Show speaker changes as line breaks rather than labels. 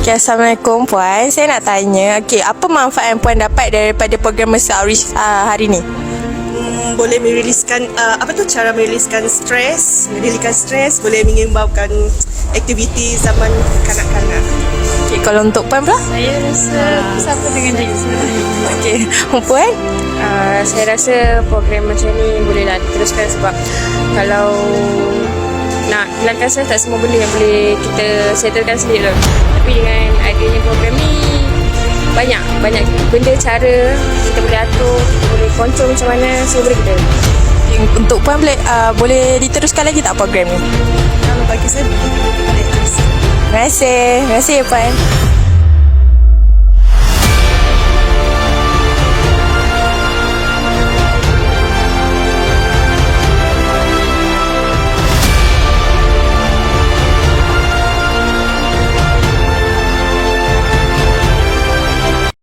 Okay, Assalamualaikum Puan. Saya nak tanya, apa manfaat yang Puan dapat daripada program Mesra Outreach hari ni?
Boleh meriliskan cara meriliskan stres, boleh menyumbangkan aktiviti zaman kanak-kanak.
Okay, kalau untuk Puan pula?
Saya rasa bersama dengan Jason.
Okay, Puan?
Saya rasa program macam ni bolehlah diteruskan sebab kalau nak hilangkan stres, tak semua benda yang boleh kita settlekan sendiri lah. Tapi dengan adanya program ni banyak benda cara kita boleh atur, kita boleh control macam mana, semua boleh kita.
Untuk Puan boleh diteruskan lagi tak program ni?
Kalau bagi saya boleh terus.
Terima kasih ya Puan.